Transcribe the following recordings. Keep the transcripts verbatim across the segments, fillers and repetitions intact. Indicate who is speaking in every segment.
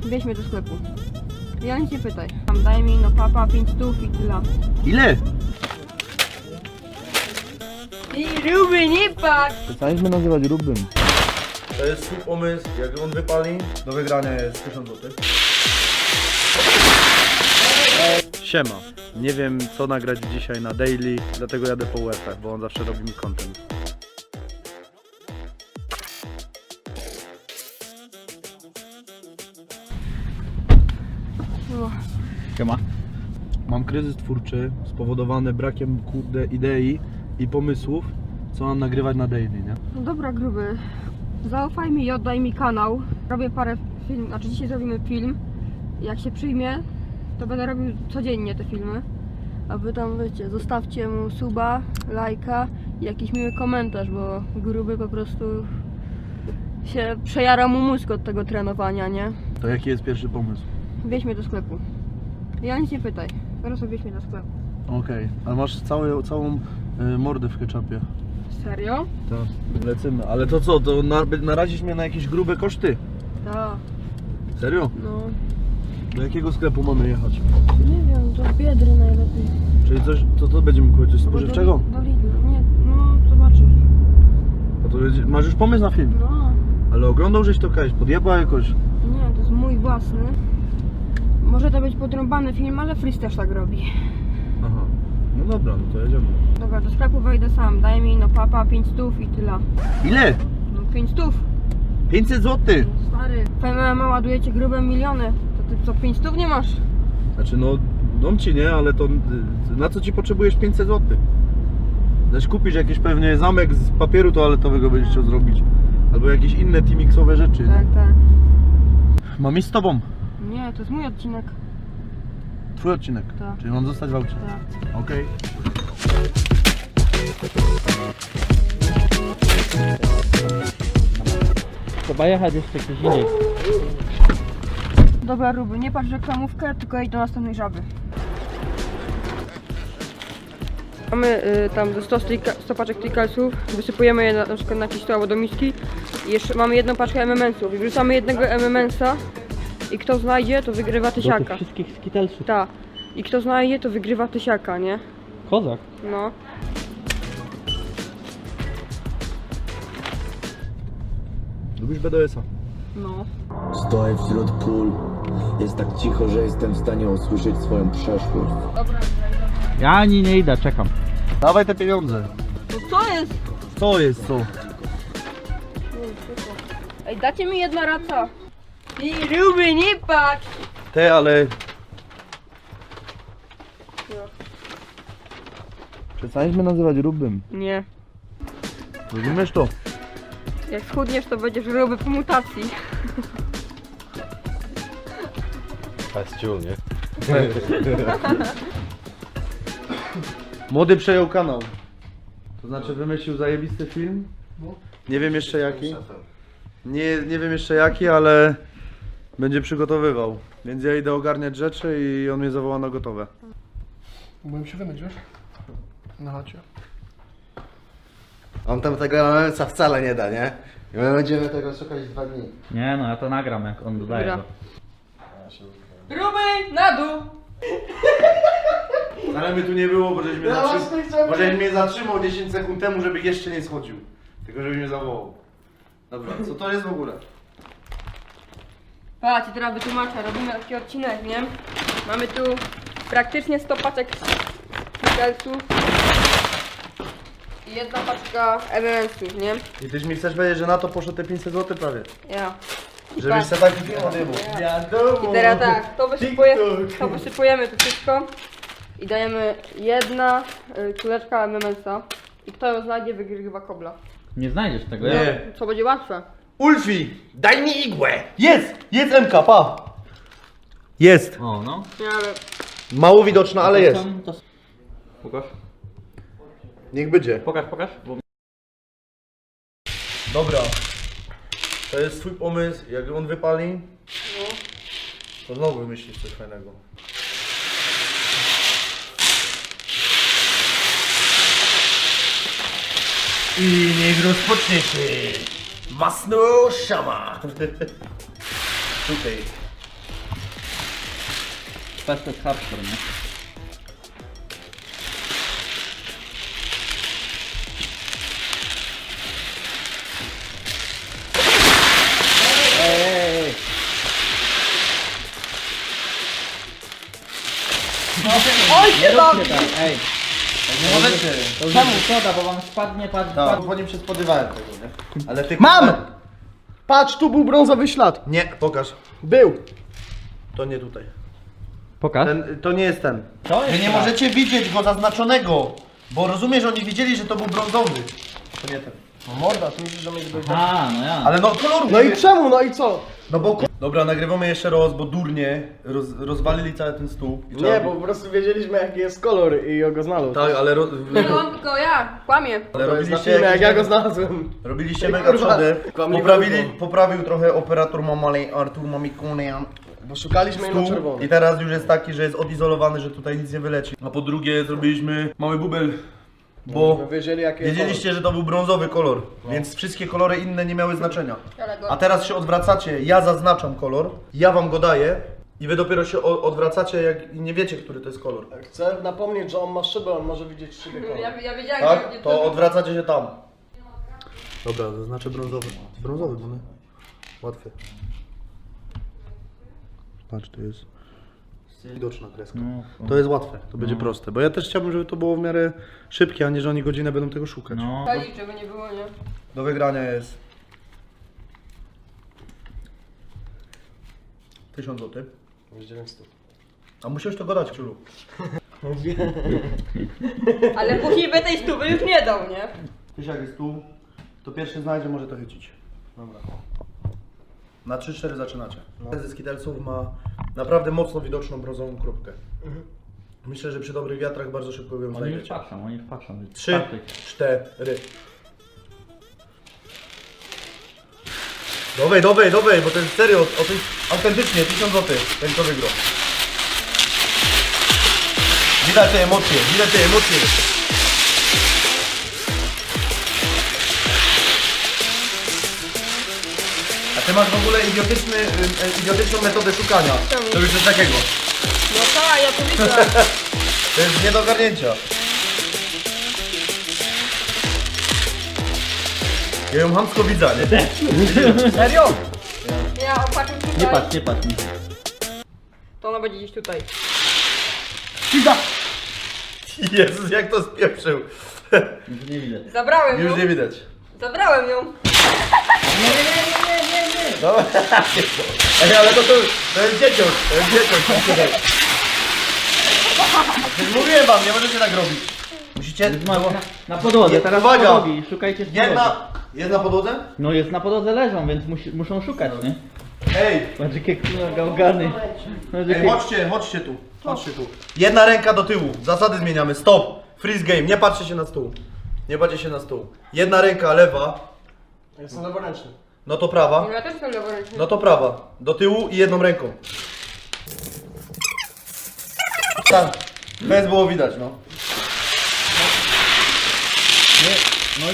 Speaker 1: Wieźmy do sklepu. Ja nic nie pytaj. Tam daj mi no papa pięć stów i tyle.
Speaker 2: Ile?
Speaker 1: I ruby nie patrz!
Speaker 2: Przestaliśmy nazywać rubym. To jest swój pomysł, jak on wypali, do wygrania jest tysiąc złotych. Siema. Nie wiem co nagrać dzisiaj na daily, dlatego jadę po U F, bo on zawsze robi mi content.
Speaker 1: No.
Speaker 2: Siema. Mam kryzys twórczy spowodowany brakiem kurde idei i pomysłów, co mam nagrywać na daily, nie?
Speaker 1: No dobra gruby. Zaufaj mi i oddaj mi kanał. Robię parę film, znaczy dzisiaj zrobimy film. Jak się przyjmie, to będę robił codziennie te filmy. A wy tam wiecie, zostawcie mu suba, lajka i jakiś miły komentarz, bo gruby po prostu się przejara mu mózg od tego trenowania, nie?
Speaker 2: To jaki jest pierwszy pomysł?
Speaker 1: Wieź mnie do sklepu. Ja nic nie pytaj. Teraz wieź mnie do sklepu.
Speaker 2: Okej, okay. Ale masz całe, całą y, mordę w ketchupie.
Speaker 1: Serio?
Speaker 2: Tak. Lecimy. Ale to co, to na, narazisz mnie na jakieś grube koszty?
Speaker 1: Tak.
Speaker 2: Serio?
Speaker 1: No.
Speaker 2: Do jakiego sklepu mamy jechać?
Speaker 1: Nie wiem, do Biedry najlepiej.
Speaker 2: Czyli coś, to, to będziemy kupować coś spożywczego?
Speaker 1: Do, do Lidla. Nie, no zobaczysz.
Speaker 2: A to będzie, masz już pomysł na film?
Speaker 1: No.
Speaker 2: Ale oglądał żeś to kiedyś, podjebał jakoś?
Speaker 1: Nie, to jest mój własny. Może to być podrąbany film, ale Freeze też tak robi.
Speaker 2: Aha. No dobra, no to jedziemy.
Speaker 1: Dobra, do sklepu wejdę sam. Daj mi no papa pięć stów i tyle.
Speaker 2: Ile?
Speaker 1: No pięć stów.
Speaker 2: pięćset złotych!
Speaker 1: Stary, w M M A ładujecie grube miliony. To ty co, pięć stów nie masz?
Speaker 2: Znaczy no, dom ci nie, ale to y, na co ci potrzebujesz pięćset złotych? Zaś kupisz jakiś pewnie zamek z papieru toaletowego będziesz chciał zrobić. Albo jakieś inne teamixowe rzeczy.
Speaker 1: Tak, tak.
Speaker 2: Mam iść z tobą.
Speaker 1: Nie, to jest mój odcinek.
Speaker 2: Twój odcinek.
Speaker 1: Tak.
Speaker 2: Czyli mam zostać w aucie.
Speaker 1: Tak.
Speaker 2: Okej.
Speaker 3: Trzeba jechać jeszcze gdzieś indziej.
Speaker 1: Dobra Ruby, nie patrz w reklamówkę, tylko idź do następnej żaby. Mamy y, tam ze sto, strika, sto paczek tricalsów, wysypujemy je na, na przykład na jakiś stół albo do miski. I jeszcze mamy jedną paczkę M M M-sów i wrzucamy jednego M M M-sa i kto znajdzie, to wygrywa
Speaker 3: Do tych
Speaker 1: tysiaka.
Speaker 3: wszystkich skitelsów.
Speaker 1: Tak. I kto znajdzie, to wygrywa tysiaka, nie?
Speaker 3: Kozak.
Speaker 1: No.
Speaker 2: Lubisz B D S-a?
Speaker 1: No.
Speaker 4: Stoję wśród pól. Jest tak cicho, że jestem w stanie usłyszeć swoją przeszłość.
Speaker 1: Dobra,
Speaker 3: Ja ani nie idę, czekam.
Speaker 2: Dawaj te pieniądze.
Speaker 1: to co jest?
Speaker 2: Co jest co?
Speaker 1: Ej, dacie mi jedna raca. I Ruby, nie patrz!
Speaker 2: Te, ale... Przestaliśmy nazywać rubym.
Speaker 1: Nie.
Speaker 2: Rozumiesz to?
Speaker 1: Jak schudniesz, to będziesz Ruby po mutacji.
Speaker 2: Paściul, nie? Młody przejął kanał. To znaczy wymyślił zajebisty film. Nie wiem jeszcze jaki. Nie, nie wiem jeszcze jaki, ale będzie przygotowywał. Więc ja idę ogarniać rzeczy i on mnie zawoła na gotowe.
Speaker 5: Mógłbym się wymyć, wiesz? Na chacie.
Speaker 6: On tam tego M M S-a wcale nie da, nie? I my będziemy tego szukać dwa dni.
Speaker 3: Nie no, ja to nagram jak on dodaje
Speaker 1: Dobra.
Speaker 3: to.
Speaker 1: Ruby, na dół!
Speaker 2: Ale mnie tu nie było, bo żeś mnie,
Speaker 6: Ja
Speaker 2: zatrzym...
Speaker 6: właśnie chciałem-
Speaker 2: bo żeś mnie zatrzymał dziesięć sekund temu, żeby jeszcze nie schodził. Tylko żeby mnie zawołał. Dobra, co to jest w ogóle?
Speaker 1: Patrz, teraz wytłumaczę, robimy taki odcinek, nie? Mamy tu praktycznie sto paczek tricalsów i jedna paczka M M M-sów, nie?
Speaker 2: I tyś mi chcesz powiedzieć, że na to poszło te pięćset złotych prawie?
Speaker 1: Ja.
Speaker 2: Żebyś sobie taki film odjebał.
Speaker 6: Wiadomo!
Speaker 1: I teraz tak, to, wysypuje, to wysypujemy tu wszystko i dajemy jedna y, kuleczka M M M-sa i kto ją znajdzie, wygrywa kobla.
Speaker 3: Nie znajdziesz tego,
Speaker 2: Nie.
Speaker 3: ja?
Speaker 1: Co będzie łatwe.
Speaker 2: Ulfi! Daj mi igłę! Jest! Jest M K, pa! Jest!
Speaker 3: O no.
Speaker 1: Nie, ale
Speaker 2: Mało widoczna, ale jest.
Speaker 3: Tam, to... Pokaż.
Speaker 2: Niech będzie.
Speaker 3: Pokaż, pokaż. Bo...
Speaker 2: Dobra. To jest twój pomysł, jak on wypali, to znowu wymyślisz coś fajnego. I niech rozpocznie się Masno Szama. Tutaj.
Speaker 3: perfect hardcore, nie? Ej, ej, ej.
Speaker 1: Oj,
Speaker 3: Nie
Speaker 1: chyba!
Speaker 3: róbcie tak, ej.
Speaker 6: Nie możecie.
Speaker 3: To już jest szkoda, bo wam spadnie, patrz,
Speaker 6: Tak,
Speaker 3: patrz.
Speaker 6: po nim się spodziewałem tego, nie? Ale ty...
Speaker 5: Mam! Patrz, tu był brązowy ślad.
Speaker 2: Nie, pokaż.
Speaker 5: Był.
Speaker 2: To nie tutaj.
Speaker 3: Pokaż.
Speaker 2: Ten, to nie jest ten.
Speaker 3: To jest
Speaker 6: Wy nie
Speaker 3: tak.
Speaker 6: możecie widzieć go zaznaczonego. Bo rozumiesz, oni widzieli, że to był brązowy. To nie ten.
Speaker 5: No morda, ty myślisz, że mnie będzie...
Speaker 3: A, no ja.
Speaker 6: Ale no koloru
Speaker 5: No
Speaker 6: nie
Speaker 5: i czemu, no i co?
Speaker 6: No bo...
Speaker 2: Dobra, nagrywamy jeszcze raz, bo durnie roz, rozwalili cały ten stół. I
Speaker 5: Nie,
Speaker 2: trzeba-
Speaker 5: bo po prostu wiedzieliśmy jaki jest kolor i go znalazł.
Speaker 2: Tak, ale, ro...
Speaker 1: Nie on, tylko ja, kłamie.
Speaker 2: ale
Speaker 5: To jest na
Speaker 2: robiliście,
Speaker 5: filmie, jak
Speaker 2: jakieś-
Speaker 5: ja go znalazłem.
Speaker 2: robiliście
Speaker 5: Ej,
Speaker 2: mega
Speaker 5: kurwa,
Speaker 2: przodę.
Speaker 5: kłamliwy
Speaker 2: Poprawili,
Speaker 5: był.
Speaker 2: poprawił trochę operator Mamalej Artur Mamikunian.
Speaker 5: Bo szukaliśmy jej na
Speaker 2: Stół.
Speaker 5: czerwono.
Speaker 2: I teraz już jest taki, że jest odizolowany, że tutaj nic nie wyleci. A po drugie zrobiliśmy mały bubel, bo
Speaker 5: Bo wiedzieli jaki jest
Speaker 2: wiedzieliście, że to był brązowy kolor, więc wszystkie kolory inne nie miały znaczenia.
Speaker 1: Ale go-
Speaker 2: A teraz się odwracacie, ja zaznaczam kolor, ja wam go daję i wy dopiero się o- odwracacie, jak nie wiecie, który to jest kolor.
Speaker 5: kolor. Chcę napomnieć, że on ma szybę, on może widzieć szybę kolor.
Speaker 1: Ja, ja wiedziałem,
Speaker 2: Tak?
Speaker 1: gdzie-
Speaker 2: To odwracacie się tam. Dobra, zaznaczę brązowy. Brązowy, bo nie? Łatwy. Patrz, to jest widoczna kreska.
Speaker 3: No,
Speaker 2: To jest łatwe, to będzie proste. Bo ja też chciałbym, żeby to było w miarę szybkie, a nie, że oni godzinę będą tego szukać.
Speaker 3: no.
Speaker 1: Palić, żeby nie było, nie?
Speaker 2: Do wygrania jest tysiąc złotych.
Speaker 5: dziewięćset.
Speaker 2: A musiałeś to gadać, Ciulu.
Speaker 1: Ale później by tej stówy już nie dał, nie?
Speaker 2: Wiesz jak jest tu, to pierwszy znajdzie, może to chycić.
Speaker 5: Dobra.
Speaker 2: Na trzy cztery zaczynacie. Ten ze Skittlesów ma naprawdę mocno widoczną brązową kropkę. Myślę, że przy dobrych wiatrach bardzo szybko ją
Speaker 3: Oni już
Speaker 2: znajdziecie.
Speaker 3: patrzą, oni już patrzą.
Speaker 2: Trzy,
Speaker 3: Patryk.
Speaker 2: cztery. Dowej, dowej, dowej, bo to jest serio, o tym autentycznie, tysiąc złotych, ten kto wygrał. Widać te emocje, widać te emocje. A ty masz w ogóle idiotyczny, y, y, idiotyczną metodę szukania.
Speaker 1: Czemu?
Speaker 2: To już jest takiego.
Speaker 1: No tak, ja to widzę.
Speaker 2: To jest nie do ogarnięcia. Ja ją chamsko widzę, nie?
Speaker 5: Serio?
Speaker 1: Ja opatrzę tutaj.
Speaker 3: Nie patrz, nie patrz mi.
Speaker 1: To ona będzie gdzieś tutaj.
Speaker 5: Pizda!
Speaker 2: Jezus, jak to spieprzył.
Speaker 3: Już nie widać.
Speaker 1: Zabrałem ją.
Speaker 2: Już nie widać.
Speaker 1: Zabrałem ją.
Speaker 2: Dobra. Ej, ale to, to, to jest dzieciąg, to jest dzieciąg. Przecież mówiłem wam, nie możecie tak robić. Musicie...
Speaker 3: Na, na, na podłodze,
Speaker 2: Je-
Speaker 3: teraz
Speaker 2: uwaga!
Speaker 3: podłogi, szukajcie z podłogi.
Speaker 2: Jedna... Jest na podłodze?
Speaker 3: No jest na podłodze leżą, więc musi, muszą szukać, nie?
Speaker 2: Ej!
Speaker 3: Patrz jakie kurwa gałgany. Patrz,
Speaker 2: Ej,
Speaker 3: jakie-
Speaker 2: chodźcie, chodźcie tu. Chodźcie tu. Jedna ręka do tyłu. Zasady zmieniamy. Stop. Freeze game. Nie patrzcie się na stół. Nie patrzcie się na stół. Jedna ręka lewa.
Speaker 5: Jestem leworęczny.
Speaker 2: No to prawa.
Speaker 1: Ja też jestem leworęczny.
Speaker 2: No to prawa. Do tyłu i jedną ręką. Tak. Bez było widać, no.
Speaker 3: Nie, no i...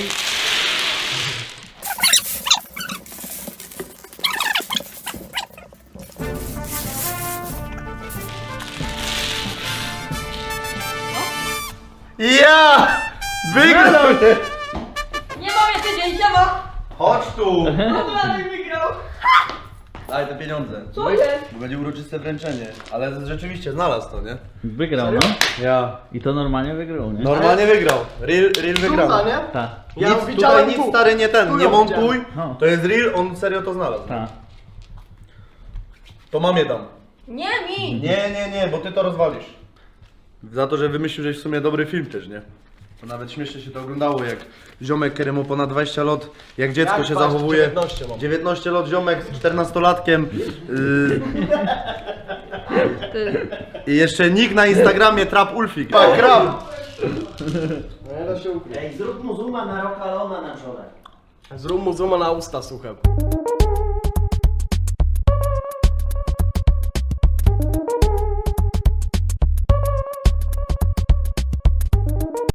Speaker 2: Ja! Wygrał!
Speaker 1: Nie mam tydzień, siema!
Speaker 2: Chodź tu!
Speaker 1: No Wladek wygrał.
Speaker 2: Daj te pieniądze.
Speaker 1: Co jest?
Speaker 2: Bo będzie uroczyste wręczenie. Ale rzeczywiście znalazł to, nie?
Speaker 3: Wygrał, no.
Speaker 2: Ja.
Speaker 3: I to normalnie wygrał, nie?
Speaker 2: Normalnie wygrał. Real, real wygrał.
Speaker 5: Kurwa, nie?
Speaker 3: Tak,
Speaker 5: Ja
Speaker 2: Nic,
Speaker 5: widziałem
Speaker 2: tutaj nic
Speaker 5: tu.
Speaker 2: stary nie ten,
Speaker 5: Tu
Speaker 2: nie
Speaker 5: ją
Speaker 2: montuj.
Speaker 5: widziałem.
Speaker 3: No.
Speaker 2: To jest real, on serio to znalazł.
Speaker 3: tak.
Speaker 2: To mamie dam.
Speaker 1: Nie mi!
Speaker 2: Nie, nie, nie, bo ty to rozwalisz. Za to, że wymyślił, że w sumie dobry film też, nie? To nawet śmiesznie się to oglądało, jak ziomek, który ma ponad dwadzieścia lat, jak dziecko
Speaker 5: Jak
Speaker 2: się
Speaker 5: dwadzieścia?
Speaker 2: zachowuje.
Speaker 5: dziewiętnaście mam.
Speaker 2: dziewiętnaście lat ziomek z czternastolatkiem. Yy,
Speaker 1: Ty.
Speaker 2: I jeszcze nick na Instagramie Trap Ulfik. Pa, gram!
Speaker 5: No nie da się ukryć.
Speaker 6: Ej, zrób mu zooma na Rokalona na czole.
Speaker 5: Zrób mu zooma na usta suche.